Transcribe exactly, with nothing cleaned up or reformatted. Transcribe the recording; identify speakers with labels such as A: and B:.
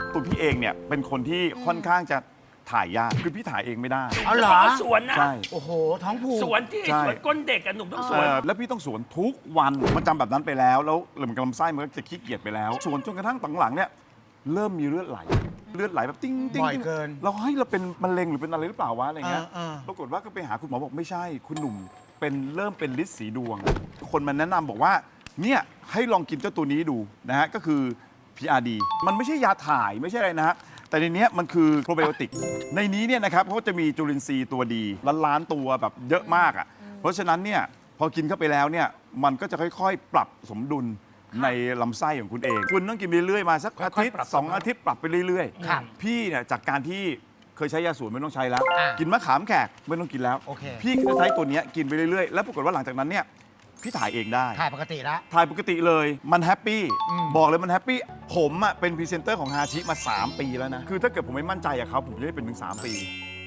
A: ตัวพี่เองเนี่ยเป็นคนที่ค่อนข้างจะถ่ายยากคือพี่ถ่ายเองไม่ได้
B: เอาเหรอ
C: สวนนะ
A: ใช่
B: โอ้โห ท้องผูก
C: สวนที่
A: ใช่
C: สวนก้นเด็กอะหนุ่มต้องส
A: เอ
C: วน
A: อแล้วพี่ต้องสวนทุกวันมันจำแบบนั้นไปแล้วแล้วเหมือนกับลำไส้มันก็จะขี้เกียจไปแล้วสวนจนกระทั่งหลังๆเนี่ยเริ่มมีเลือดไหลเลือดไหลแบบติ้งติ้ง
B: บ่อย
A: ติ้ง
B: เกิน
A: เราเฮ้ยเราเป็นมะเร็งหรือเป็นอะไรหรือเปล่าวะอะไรเงี้ย
B: เออเออ
A: ปรากฏว่าก็ไปหาคุณหมอบอกไม่ใช่คุณหนุ่มเป็นเริ่มเป็นฤทธิ์สีดวง คนมาแนะนำบอกว่าเนี่ยให้ลองกินเจ้าตัวนี้ดูนะฮะก็คือ พี อาร์ ดี มันไม่ใช่ยาถ่ายไม่ใช่อะไรนะฮะแต่ในนี้มันคือโปรไบโอติกในนี้เนี่ยนะครับเขาจะมีจุลินทรีย์ตัวดีล้านล้านตัวแบบเยอะมากอ่ะเพราะฉะนั้นเนี่ยพอกินเข้าไปแล้วเนี่ยมันก็จะค่อยๆ ปรับสมดุลในลำไส้ของคุณเอง คุณต้องกินไปเรื่อยๆมาสักอาทิตย์
C: ค่อยๆปรับ
A: สองอาทิตย์ปรับไปเรื่อย
B: ครับ
A: พี่เนี่ยจากการที่เคยใช้ยาสูบไม่ต้องใช้แล้ว
B: อ่ะ
A: กินมะขามแขกไม่ต้องกินแล้ว
B: โอเค
A: พี่ก็จะใช้ตัวเนี้ยกินไปเรื่อยๆ แล้วปรากฏว่าหลังจากนั้นเนี่ยพี่ถ่ายเองได้
B: ถ่ายปกติแล้ว
A: ถ่ายปกติเลยมันแฮปปี้
B: อืม
A: บอกเลยมันแฮปปี้ผมอ่ะเป็นพรีเซนเตอร์ของฮาชิมา สาม ปีแล้วนะ คือถ้าเกิดผมไม่มั่นใจอะเขาผมจะได้เป็นถึง สาม ปี